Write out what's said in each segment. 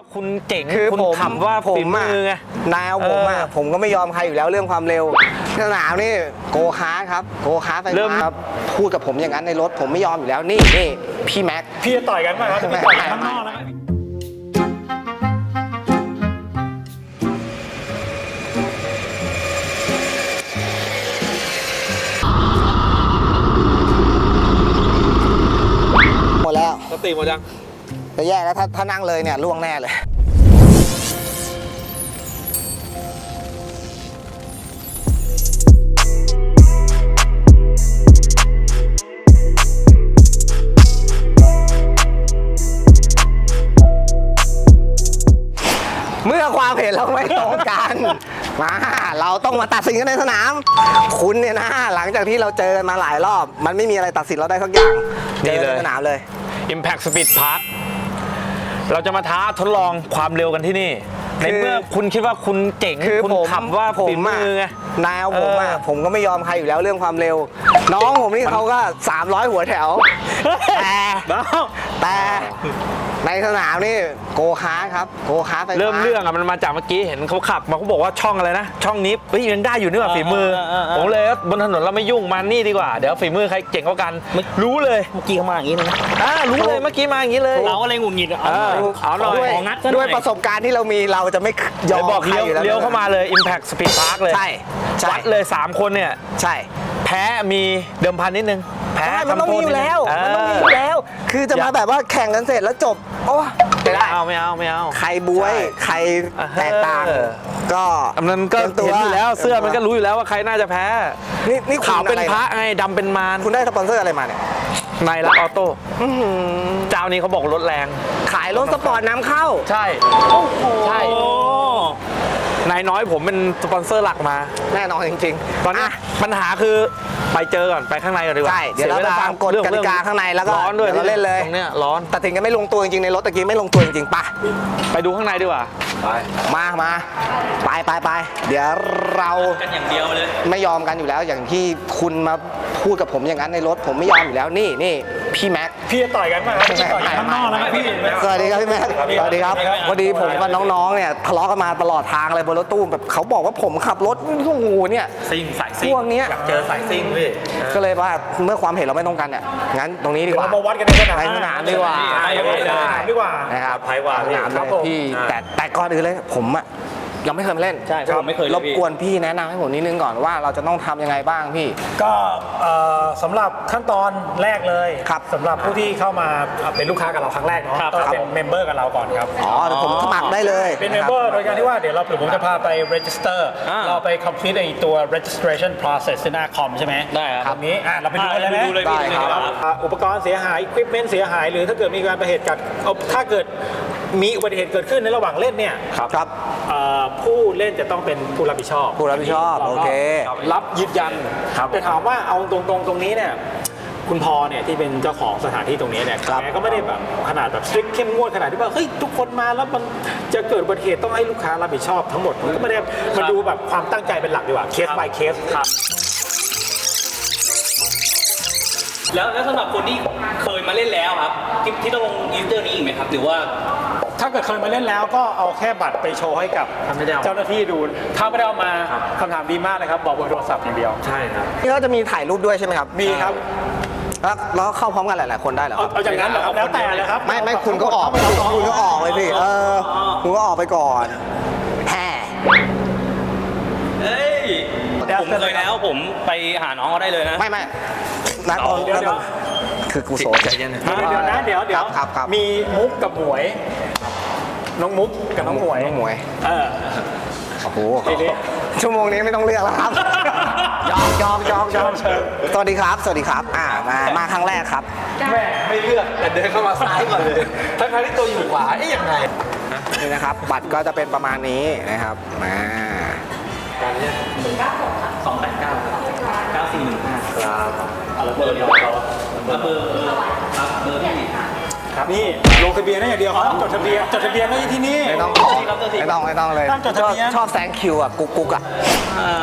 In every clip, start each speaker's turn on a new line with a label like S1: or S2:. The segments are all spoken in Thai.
S1: คุณเจ๋ง
S2: คือ
S1: คุณ
S2: ผม
S1: ขับว่า
S2: ผ
S1: ฝี
S2: ม
S1: มื
S2: อะ
S1: อไง
S2: แนวผมอะผมก็ไม่ยอมใครอยู่แล้วเรื่องความเร็วสนามนี่โกคาร์ทครับโกคาร์ทไฟฟ้าครับพูดกับผมอย่างนั้นในรถผมไม่ยอมอยู่แล้วนี่พี่แม็ก
S3: พี่จะต่อยกันป่ะครับพี่ต่อยกันข้างนอกนะ
S2: หมดแล้ว
S1: สติหมดยัง
S2: จะแย่แล้วถ้านั่งเลยเนี่ยล่วงแน่เลยเมื่อความเห็นเราไม่ตรงกันมาเราต้องมาตัดสินกันในสนาม คุณเนี่ยนะหลังจากที่เราเจอกันมาหลายรอบ มันไม่มีอะไรตัดสินเราได้สักอย่างเจอในสนามเลย
S1: Impact Speed Park เราจะมาท้าทดลองความเร็วกันที่นี่ ในเมื่อคุณคิดว่าคุณเจ๋ง
S2: คือ
S1: คุณ
S2: ผม
S1: ขับว่า
S2: ผ
S1: ฝี
S2: ม
S1: มือไง
S2: แนวผมผมก็ไม่ยอมใครอยู่แล้วเรื่องความเร็ว น้องผมนี่เขาก็300หัวแถวแต่ในสนามนี่โกคาร์ทครับโกคาร์ทไฟฟ้า
S1: เริ่มเรื่องอะมันมาจากเมื่อกี้เห็นเขาขับมาเขาบอกว่าช่องอะไรนะช่องนี้เฮ้ยยังได้อยู่นี่หว่าฝีมือผมเลยบนถนนเราไม่ยุ่งมานี่ดีกว่าเดี๋ยวฝีมือใครเจ๋งกว่ากันรู้เลย
S4: เมื่อกี้เขามาอย่างนี้เลยนะ
S1: รู้เลยเมื่อกี้มาอย่างนี้เลย
S4: เราอะไรหงุดหงิดเอาหน่อย
S2: ด้วย
S4: ของงัดซะหน่อย
S2: ด้วยประสบการณ์ที่เรามีเราจะไม่ยอม
S1: บอก
S2: ใคร
S1: เลี้ยว
S2: อยู่แล้ว
S1: เลี้ยวเข้ามาเลย Impact Speed Park เลย
S2: ใช่ใช่
S1: วัดเลย 3 คนเนี่ย
S2: ใช่
S1: แพ้มีเดิมพันนิดนึงแพ้
S2: ใช่มันต้องมีอยู่แล้ว
S1: ทำโทษ
S2: มัน
S1: นิด
S2: ต้อง
S1: นึ
S2: มีอยู่แล้ว คือจะมาแบบว่าแข่งกันเสร็จแล้วจบโอ้ไม่ได้
S1: ไม่เอา
S2: ใครบวย
S1: ใช่
S2: ใครแตกต่าง ก็
S1: มันก็
S2: ตรียม
S1: เห็นอยู่แล้วเสื้อมันก็รู้อยู่แล้วว่าใครน่าจะแพ้
S2: นี่คุณ
S1: ขาวเป็น
S2: อไ
S1: พระไงดำเป็นมาร
S2: คุณได้สปอนเซอร์อะไรมาเนี่ย
S1: นายรักออโต้เจ้านี้เขาบอกรถแรง
S2: ขายรถสปอร์ตนำเข้า
S1: ใช่ใช่นายน้อยผมเป็นสปอนเซอร์หลักมา
S2: แน่นอนจริงๆ
S1: ตอนนี้ปัญหาคือไปเจอก่อนไปข้างในก่อนดีกว่า
S2: ใช่เดี๋ยวเราไปฟังกฎกติกาข้างในแล้วก็
S1: ร้อนด้วย
S2: เดี๋ยวเราเล่นเลย
S1: ตรงเนี้ยร้อน
S2: ตัดสินกันไม่ลงตัวจริงๆในรถตะกี้ไม่ลงตัวจริงๆปะ
S1: ไปดูข้างในดีกว่าไป
S2: มาไปเดี๋ยวเรา
S4: กันอย่างเดียวเลย
S2: ไม่ยอมกันอยู่แล้วอย่างที่คุณมาพูดกับผมอย่างนั้นในรถผมไม่ยอมอยู่แล้วนี่พี่แม็ก
S3: พี่จะต่อยกันป่ะครับพี่ต่อยกันข้างนอกนะพี่
S2: สวัสดีครับพี่แม็กสวัสดีครับพอดีผมกับน้องๆเนี่ยทะเลาะกันมาตลอดทางเลยบนรถตู้แบบเขาบอกว่าผมขับรถโอ้โหเนี่ย
S1: ซิ่งสายซิ่ง
S2: พวกเนี้ย
S1: อยากเจอสายซิ่งพี่
S2: ก็เลยว่าเมื่อความเห็นเราไม่ตรงกันเนี่ยงั้นตรงนี้ดีกว่า
S3: เรามาวัดกันในสนาม
S2: ในสนามดีกว่า
S3: ดีกว่า
S2: นะครับ
S1: ไพว่า
S2: สนาม
S3: ค
S2: เล
S3: รับ
S2: ย
S3: ผม
S2: พี่แต่ก่อนอื่นเลยผมอะยังไม่เคยมาเล่น
S4: ใช่ผมไม่เคยเลย
S2: รบ
S4: พี่
S2: กวนพี่แนะนำให้ผมนิดนึงก่อนว่าเราจะต้องทำยังไงบ้างพี่
S3: ก็สำหรับขั้นตอนแรกเลย
S2: ครับ
S3: สำหรับผู้ที่เข้ามาเป็นลูกค้ากับเราครั้งแรกเนาะต้องเป็นเมมเบอร์กับเราก่อนครับ
S2: อ๋อเดี๋ยวผมสมัครได้เลย
S3: เป็นเมมเบอร์โดยการที่ว่าเดี๋ยวผมจะพาไป register เราไป complete ไอตัว registration process ที่หน้าคอมใช่ไหม
S4: ได้ครับ
S3: ตรงนี้เราไปดูกันเลยไหม
S4: ดูเลยพี่
S2: ได้ครับ
S3: อุปกรณ์เสียหาย equipment เสียหาย หรือถ้าเกิดมีการประเหตุกับถ้าเกิดมีอุบัติเหตุเกิดขึ้นในระหว่างเล่นเนี่ย
S2: ครับ
S3: ผู้เล่นจะต้องเป็นผู้รับผิดชอบ
S2: ผู้รับผิดชอบโอเค
S3: รับยืนยันแต่ถามว่าเอาตรงนี้เนี่ยคุณพอเนี่ยที่เป็นเจ้าของสถานที่ตรงนี้เนี่ย
S2: ครับ
S3: แกก็ไม่ได้แบบขนาดแบบ strict เข้มงวดขนาดที่ว่าเฮ้ยทุกคนมาแล้วมันจะเกิดอุบัติเหตุต้องให้ลูกค้ารับผิดชอบทั้งหมดมันก็ไม่ได้มาดูแบบความตั้งใจเป็นหลักดีกว่าเคส by เคส
S4: แล้วสำหรับคนที่เคยมาเล่นแล้วครับที่ต้องลงยูเซอร์นี้อีกไหมครับหรือว่า
S3: ถ้าเกิดเคยมาเล่นแล้วก็เอาแค่บัตรไปโชว์ให้กับเจ้าหน้าที่ดูถ้าไม่ได้เอามาคำถามดีมากเลยครับบอกเบอร์โทรศัพท์อย่างเดียว
S1: ใช่ครับ
S2: นี่ก็จะมีถ่ายรูปด้วยใช่ไหมครับ
S3: มีครับ
S2: แล้วเข้าพร้อมกันหลายๆคนได้เหรอครับ
S3: เอาอย่างนั้นเหรอครับแล้วแต่เลยครับ
S2: ไม่คุณก็ออกคุณก็ออกเลยสิคุณก็ออกไปก่อนแฮ่
S4: เฮ้ยผมเคยแล้วผมไปหาน้องเขาได้เลยนะ
S2: ไม่นัดตอน
S3: เดี๋ยว
S2: คือกูโสด
S1: ใจเย็นนะ
S3: เดี๋ยวนะเดี๋ยว
S2: ครับ
S3: มีมุกกับหมวย น้องมุกกับน้องหมวย
S2: น้องหมวย
S3: เออ
S2: โอ้โห
S3: ทีนี้
S2: ชั่วโมงนี้ไม่ต้องเลือกแล้วครับยอมสวัสดีครับมาครั้งแรกครับ
S1: แม่ไม่เลือกแต่เดินเข้ามาซ้ายก่อนเลยทั้งที่ตัวอยู่ขวายังไง
S2: นี่นะครับ บัตรก็จะเป็นประมาณนี้นะครับมา
S4: 289 9415ครับเบอร์เดียวเขาเบอร์พี่
S3: ครับนี่ลงทะเบียนได้อย่างเดียวครับจดทะเบียนไม่ที่นี่
S2: ไม่ต้องเลย
S3: ตั้งจดทะเบียน
S2: ชอบแซงคิวอ่ะกุ๊กอ่ะ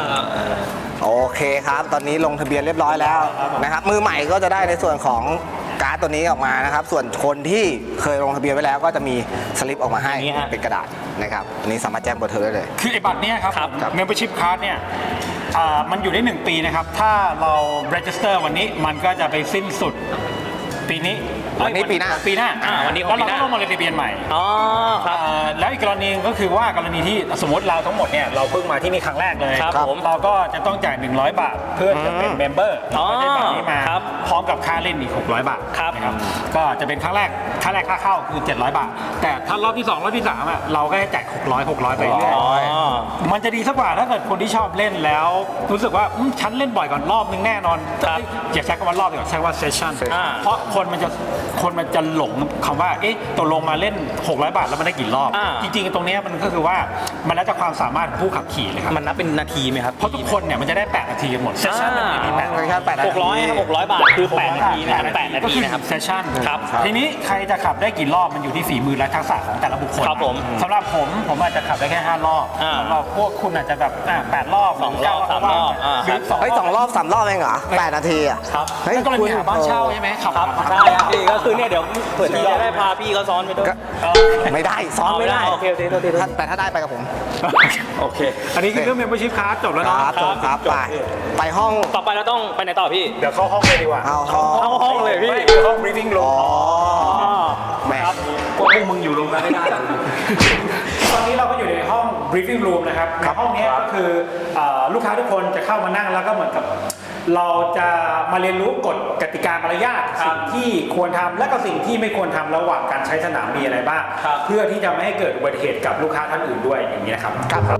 S2: โอเคครับ ตอนนี้ลงทะเบียนเรียบร้อยแล้วนะครับมือใหม่ก็จะได้ในส่วนของการ์ดตัวนี้ออกมานะครับ ส่วนคนที่เคยลงทะเบียนไว้แล้วก็จะมีสลิปออกมาให้
S4: อย่างนี้ฮะ
S2: เป็นกระดาษนะครับอันนี้สามารถแจ้งเบอร์โทรได้เลย
S3: คือไอ้บัตรเนี่ยครับ
S4: ครับ
S3: membership card เนี่ยมันอยู่ได้ 1 ปีนะครับ ถ้าเรา register วันนี้มันก็จะไปสิ้นสุดปีนี้
S2: วันนี้ปีหน้า
S3: ปีหน้า
S4: วันนี้ของ
S3: แล้ว
S4: ปี
S3: เรา
S4: หน้า
S3: ก็ลงมาเลยทะเบียนใหม่
S4: อ๋อครับ
S3: แล้วอีกกรณีก็คือว่ากรณีที่สมมติเราทั้งหมดเนี่ยเราเพิ่งมาที่นี่ครั้งแรกเลย
S4: ครับผม
S3: เราก็จะต้องจ่าย100 บาทเพื่อจะเป็นเมมเบอร์
S4: อ๋อ
S3: ได้บัตรนี้มา
S4: ครับ
S3: พร้อมกับค่าเล่นอีก600 บาท
S4: ครับ
S3: นะครับก็จะเป็นครั้งแรกค่าเข้าคือ700 บาท แต่ถ้ารอบที่ 2 รอบที่ 3เราก็จะจ่าย600ไปเรื่อย
S4: อ๋อ
S3: มันจะดีสักกว่าถ้าเกิดคนที่ชอบเล่นแล้ว รู้สึกว่าฉันเล่นบ่อยก่อนรอบนึงแน่นอน
S4: ครับ
S3: อย่าใช้คำว่ารอบดีกว่าใช้ว่าเซสชั่น
S4: อ่า
S3: เพราะคนมันจะหลงคำว่าเอ๊ะตกลงมาเล่น600 บาทแล้วมันได้กี่รอบ
S4: อ่า
S3: จริงๆตรงเนี้ยมันก็คือว่ามันแล้วแต่ความสามารถของผู้ขับขี่เลยครับ
S4: มันนับเป็นนาทีไหมครับ
S3: เพราะทุกคนเนี่ยมันจะได้8นาทีกันหมดเซสชั่นมันมี8นาที
S2: แค่8 นาที
S4: 600ครับ600 บาทคือ8นาทีนะครับ8นาทีนะครับ
S3: เซสชั่น
S4: ครับ
S3: ทีนี้ใครจะขับได้กี่รอบมันอยู่ที่ฝีมือและทักษะของแต่ละบุคคล
S4: ครับผม
S3: สำหรับผมอาจจะขับได้แค่5 รอบ
S4: อ่า
S3: สำหรับพวกคุณอาจจะแบบ8 รอบ
S4: สองรอบสามรอบ
S3: หรือ
S2: เฮ้ย2 รอบ 3 รอบเองเหรอ8 นาทีอ่ะ
S4: ครับ
S2: เฮ้ย
S3: นั่นก็เลย
S2: คุณ
S3: มีหาบ้านเช่าใช่ไหมขับ
S4: ครับ
S3: หา
S4: ใช่ครับพี่ก็คือเนี่ยเดี๋ยวเผื่อจะได้พาพี่เขาซ้อนไปด้วย
S2: ก็ไม่ได้ซ้อนไม่ได้
S4: โอเคโอเคโอเค
S2: แต่ถ้าได้ไปกับผม
S4: โอเค
S3: อันนี้คือเรื่อง membership card จบแล้ว
S2: ค
S3: เนาะ
S2: รับจบครับไปห้อง
S4: ต่อไปเราต้องไปไหนต่อพี่
S3: เดี๋ยวเข้าห้องเลยดีกว่า
S2: เอาห้อง
S4: เข้าห้องเลยพี่
S3: ห้อง briefing room
S2: แหม
S3: พวกมึงอยู่โรงงานไม่ได้ ตอนนี้เราก็อยู่ในห้อง briefing room นะครับในห้องนี้ก็คือลูกค้าทุกคนจะเข้ามานั่งแล้วก็เหมือนกับ เราจะมาเรียนรู้กฎกติกามารยาทสิ่งที่ควรทำและก็สิ่งที่ไม่ควรทำระหว่างการใช้สนามมีอะไรบ้าง
S4: ครับ
S3: เพื่อที่จะไม่ให้เกิดอุบัติเหตุกับลูกค้าท่านอื่นด้วยอย่างนี้นะครับครับ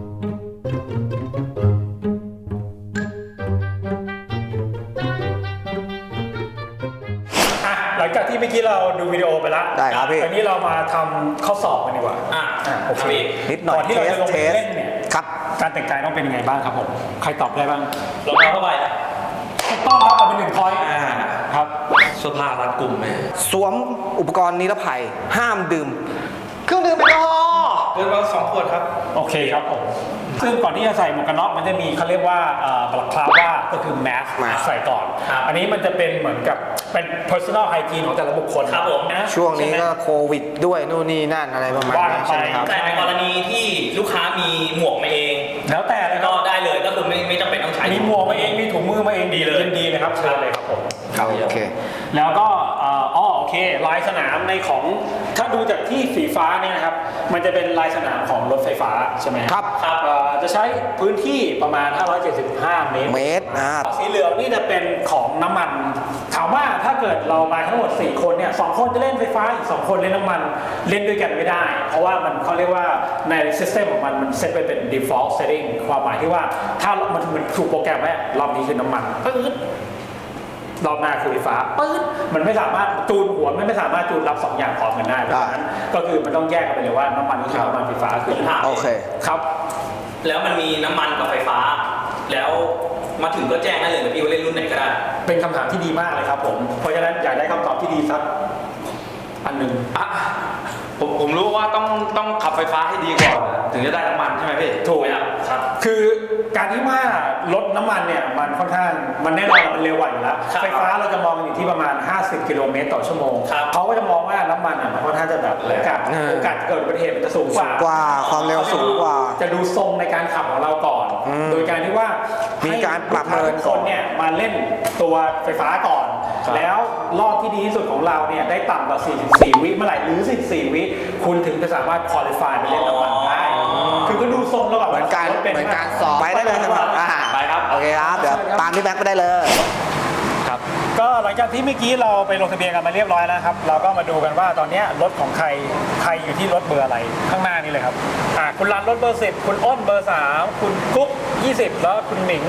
S3: หลังจากที่เมื่อกี้เราดูวิดีโอไปแล้ว
S2: ได้ครับพี่
S3: ตอนนี้เรามาทำข้อสอบกันดีกว่า โอเค
S2: นิดหน่อย
S3: ก่อนที่เราจะลง
S2: เท
S3: ไป
S2: ส
S3: เล่นเนี่ย
S2: ครับ
S3: การแต่งกายต้องเป็นยังไงบ้างครับผม ใครตอบได้บ้าง
S4: รองเท้าผ้าใบอะ
S3: ถูกต้องครับเอาเป็น1 พอยต์ครับ
S1: เสื้อผ้ารัดกลุ่มไหม
S2: สวมอุปกรณ์นิรภัย ห้ามดื่ม เครื่องดื่มแอลกอฮอล์
S1: เกินมา2 ขวดครับ
S3: โอเคครับผม ซึ่งก่อนที่จะใส่หมวกกันน็อกมันจะมีเขาเรียกว่าบลักคลาว่าก็คือแมสใส่ก่อน อันนี้มันจะเป็นเหมือนกับเป็น personal hygiene ของแต่ละบุคคล
S4: ครับผม
S3: นะ
S2: ช่วงนี้
S3: ใไหม
S2: ก็โควิดด้วยนู่นนี่นั่นอะไรประมาณ
S3: ว่า
S2: นี้
S3: ไป
S2: ใช่ไหมครับ
S4: แต่ในกรณีที่ลูกค้ามีหมวกมาเอง
S3: แล้วแต่เลยค
S4: ก็
S3: รับ
S4: ได้เลยก็คือไม่จำเป็นต้องใช้
S3: มีหมวกมาเอง มีถุงมือมาเองดีเลยดีนะครับเชิญเลยครับผม
S2: โอเค
S3: แล้วก็โอเค ลายสนามในของถ้าดูจากที่สีฟ้าเนี่ยนะครับ มันจะเป็นลายสนามของรถไฟฟ้าใช่ไหม
S2: ครับ
S3: จะใช้พื้นที่ประมาณ 575 เมตร
S2: เมตร
S3: สีเหลืองนี่จะเป็นของน้ำมัน ถามว่าถ้าเกิดเรามาทั้งหมด 4 คนเนี่ย2 คนจะเล่นไฟฟ้าอีก2 คนเล่นน้ำมันเล่นด้วยกันไม่ได้ เพราะว่ามันเขาเรียกว่าใน system ของมันเซตไปเป็น default setting ความหมายที่ว่าถ้ามันถูกโปรแกรมไว้รอบนี้คือน้ำมันปึ๊ดรอบหน้าคือไฟฟ้าปึ๊ดมันไม่สามารถจูนหัวไม่สามารถจูนรับ2 อย่างพร้อมกันได้เพราะฉะนั้นก็คือมันต้องแยกกันไปเลยว่าน้ำมันก็คือน้ำมันไฟฟ้าคือ
S2: โอเค
S3: ครับ
S4: แล้วมันมีน้ำมันกับไฟฟ้า แล้วมาถึงก็แจ้งได้เลยนะพี่ว่าเล่นรุ่นไหนก็ได้
S3: เป็นคำถามที่ดีมากเลยครับผม เพราะฉะนั้นอยากได้คำตอบที่ดีสักอันหนึ่ง
S1: ผมรู้ว่าต้องขับไฟฟ้าให้ดีก่อนถึงจะได้น้ำมันใช่ไหมพี่
S3: ถูกครับ คือการที่ว่ารถน้ำมันเนี่ยมันค่อนข้างมันแน่นอนมันเร็วกว่าอยู่แล้ว
S4: ครับ
S3: ไฟฟ้าเราจะมองอยู่ที่ประมาณ 50 กิโลเมตรต่อชั่วโมง
S4: ครับ
S3: เขาก็จะมองว่าน้ำมันมันค่อนข้างจะแบบโอกาสเกิดอุบัติเหตุมันจะสูงกว่า
S2: กว่าความเร็วสูงกว่า
S3: จะดูทรงในการขับของเราก่อน โดยการที่ว่า
S2: มี
S3: มี
S2: การปรับเมิน
S3: ค
S2: ก่อน
S3: นเนี่ยมาเล่นตัวไฟฟ้าก่อน
S2: ครับ
S3: แล้วรอบที่ดีที่สุดของเราเนี่ยได้ต่ำกว่า 44 วิเมื่อไหร่หรือ 44 วิคุณถึงจะสามารถ qualify ไปเล่นน้ำมันได้ คือก็ดูทรงแล้วแบบ
S2: เหมือนการ
S3: เป็น
S2: เหมือนการสอบไปได้เลยใช่ไหมไปครับ โอเคครับ เดี๋ยวตามพี่แบ็คไปได้เลย
S3: ก็หลังจากที่เมื่อกี้เราไปลงทะเบียนกันมาเรียบร้อยแล้วครับ เราก็มาดูกันว่าตอนเนี้ยรถของใครอยู่ที่รถเบอร์อะไรข้างหน้านี้เลยครับคุณรันรถเบอร์ 10 คุณอ้นเบอร์ 3 คุณกุ๊ก20 แล้วคุณหมิง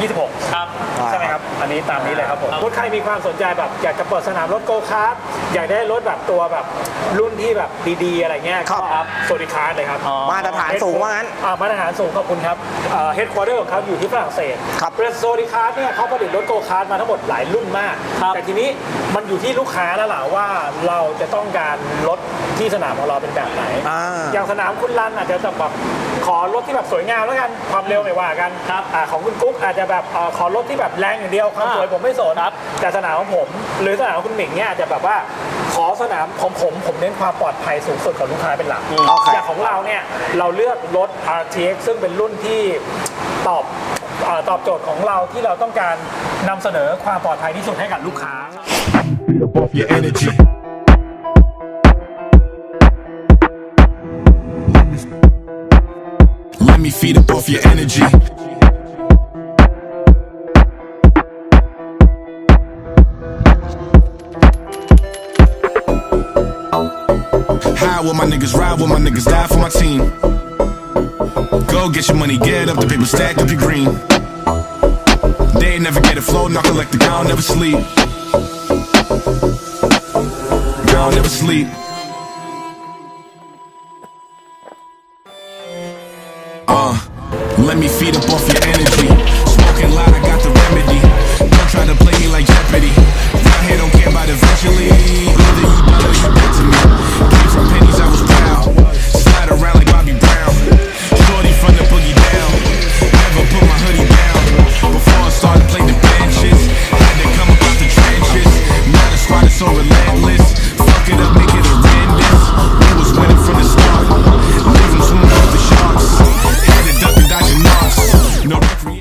S3: 26
S4: ครับ
S3: ใช่ไหมครับ อันนี้ตามนี้เลยครับผมรถใครมีความสนใจแบบอยากจะเปิดสนามรถโกคาร์ทอยากได้รถแบบตัวแบบรุ่นที่แบบดีๆอะไรเงี้ย
S2: ครับ
S3: โซนิคาร์เลยครับ
S2: มาตรฐานสูงว่างั้น
S3: มาตรฐานสูงขอบคุณครับเฮดควอเตอร์ของเขาอยู่ที่ฝรั่งเศส
S2: ครับ
S3: เรสโซนิคาร์เนี่ยเขาผลิตรถโกคาร์ทมาทั้งหมดหลายรุ่นมาก
S4: ครับ
S3: แต่ทีนี้มันอยู่ที่ลูกค้าแล้วล่ะว่าเราจะต้องการรถที่สนามของเราเป็นแบบไหน
S2: อ่า
S3: อย่างสนามามคุณรันอาจจะแบบขอรถที่แบบสวยงามแล้วกันความเร็วไม่ว่ากันครับของคุณกุ๊กอาจจะแบบขอรถที่แบบแรงอย่างเดียวความสวยผมไม่สนแต่สนามของผมหรือสนามของคุณหมิงเนี่ยอาจจะแบบว่าขอสนามของผมเน้นความปลอดภัยสูงสุดกับลูกค้าเป็นหลักอย่างของเราเนี่ยเราเลือกรถ RTX ซึ่งเป็นรุ่นที่ตอบโจทย์ของเราที่เราต้องการนำเสนอความปลอดภัยที่สุดให้กับลูกค้า
S5: Feed up off your energy. Let me feed up off your energy. High with my niggas, ride with my niggas, die for my team. Go get your money, get up the paper, stack up your green. They ain't never get a flow, knock collect the ground, never sleep. Ground never sleep. Let me feed up off your energy. Smoking loud, I got the remedy. Don't try to play me like Jeopardy. Round here don't care about eventually. Either you done or you dead to me. Came from pennies, I was proud. Slide around like Bobby Brown. Shorty from the boogie down. Never put my hoodie down. Before I started playing the benches, had to come up out the trenches. Now the squad is so relentless. Fuck it up, make it horrendous. We was winning from the start. Leave them swimming with the sharks. Had to duck and dodge and knocks. No recreation.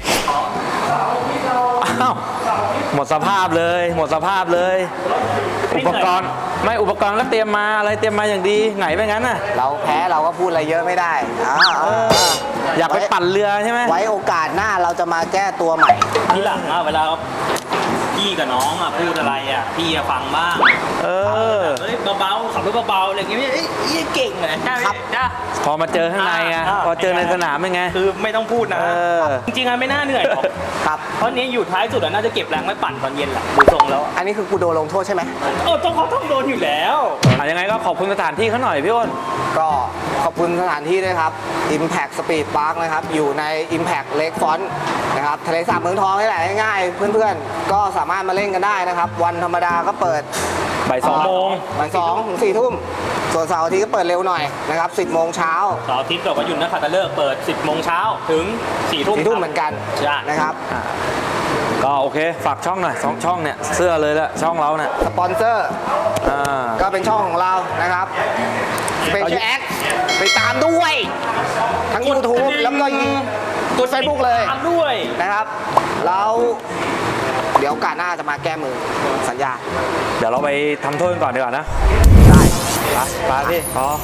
S1: อ้าวหมดสภาพเลยหมดสภาพเลย อุปกรณ์ก็เตรียมมาอะไรเตรียมมาอย่างดีไหนไปงั้นน่ะ
S2: เราแพ้เราก็พูดอะไรเยอะไม่ได้
S1: อยากไปปั่นเรือใช่ไหม
S2: ไว้โอกาสหน้าเราจะมาแก้ตัวใหม่
S4: ที่หลังอะเวลาพี่กับน้องอะพูดอะไรอะพี่อะฟังบ้างเฮ้ยเบาๆขับรถเบาๆอะไรอย่างเงี้ยเอ้ยเก่งเลยครับจ้า
S1: พอมาเจอข้างในไงพอเจอในสนามเป็นไง
S4: คือไม่ต้องพูดนะจริงๆอะไม่น่าเหนื่อยหรอก
S2: ครับ
S4: เพราะนี้อยู่ท้ายสุดอะน่าจะเก็บแรงไว้ปั่นตอนเย็นแหละดูทรงแล้ว
S2: อันนี้คือกูโดนลงโทษใช่ไหม
S4: ต้องโดนอยู่แล้ว
S1: ยังไงก็ขอบคุณสถานที่เขาหน่อยพี่อ้น
S2: ก็ขอบคุณสถานที่ด้วยครับ Impact Speed Park นะครับ อยู่ใน Impact Lakefront นะครับทะเลสาบเมืองทองนี่แหละง่ายๆเพื่อนๆ ก็สามารถมาเล่นกันได้นะครับ วันธรรมดาก็เปิด
S1: บ่าย 2 โมง
S2: บ่าย2 ถึง 4 ทุ่ม ส่วนเสาร์อาทิตย์ก็เปิดเร็วหน่อยนะครับ 10 โมงเช้า
S4: เสาร์อาทิตย์กับวันหยุดนักขัตฤกษ์เปิด 10 โมงเช้าถึง 4 ทุ่ม
S2: 4 ทุ่มเหมือนกัน
S4: ใช่
S2: นะครับ
S1: ก็โอเคฝากช่องหน่อย2 ช่องเนี่ยเสื้อเลยละช่องเราเนี่ย
S2: สปอนเซอร์ก็เป็นช่องของเรานะครับ Special Act ไปตามด้วย ทั้ง YouTube แล้วก็กด Facebook เลย
S4: ตามด้วย
S2: นะครับแล้วเดี๋ยวโอกาสหน้าจะมาแก้มือสัญญา
S1: เดี๋ยวเราไปทำโทษกันก่อนดีกว่านะ
S2: ได้
S1: ไปพี่พอ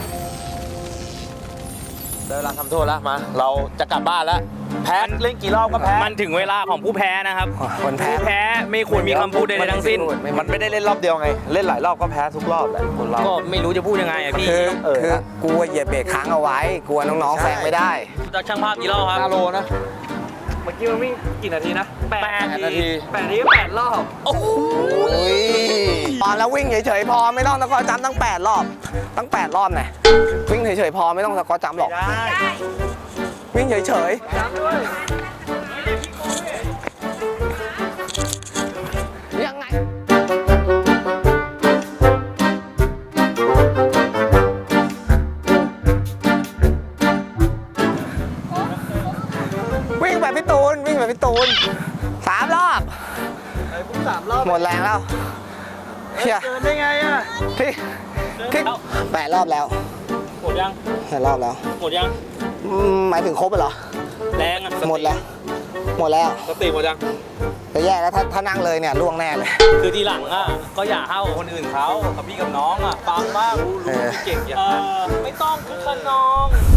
S1: ได้เวลาทำโทษแล้วมาเราจะกลับบ้านแล้วแพ้เล่นกี่รอบก็แพ้
S4: มันถึงเวลาของผู้แพ้นะครับ
S2: คนแพ้
S4: ผู้แพ้ไม่ควรมีคำพูดใดๆทั้งสิ้น
S1: มันไม่ได้เล่นรอบเดียวไง เล่นหลายรอบก็แพ้ทุกรอบแหละคนเรา
S4: ก็ไม่รู้จะพูดยังไงอะพี่
S2: คือกูเหยียบเบรกค้างเอาไว้กลัวน้องๆแซงไม่ได้
S4: จากช่างภาพกี่รอบครับ
S1: 5 โลนะ
S4: เมื่อกี้มันวิ่งกี่นาทีนะ8
S1: นาที
S4: 8 นาทีก็8 รอบ โอ้โห
S2: อุ้ยตอนแล้ววิ่งเฉยๆพอไม่ต้องสกอร์จัมป์ตั้ง8 รอบตั้ง8 รอบไงวิ่งเฉยๆพอไม่ต้องสกอร์จัมป์หรอกวิ่งเฉยๆยังไงวิ่งแบบพี่ตูน3 รอบหมดแรงแล้วเฮีย
S4: เดินได้ไงอะ
S2: ที่8 รอบแล้ว
S4: หมดยัง
S2: 8 รอบแล้ว
S4: หมดยัง
S2: หมายถึงครบเหรอ
S4: แรงอะ
S2: หมดแล้วหมดแล้ว
S1: สติหมดยัง
S2: จะแย่แล้วถ้านั่งเลยเนี่ยล่วงแน่เลย
S4: คือทีหลังอะก็อย่าห้าวกับคนอื่นเขากับพี่กับน้องอะฟังบ้างรู้
S2: เออ
S4: เก่งอย่างนั้นไม่ต้องคึกขนอง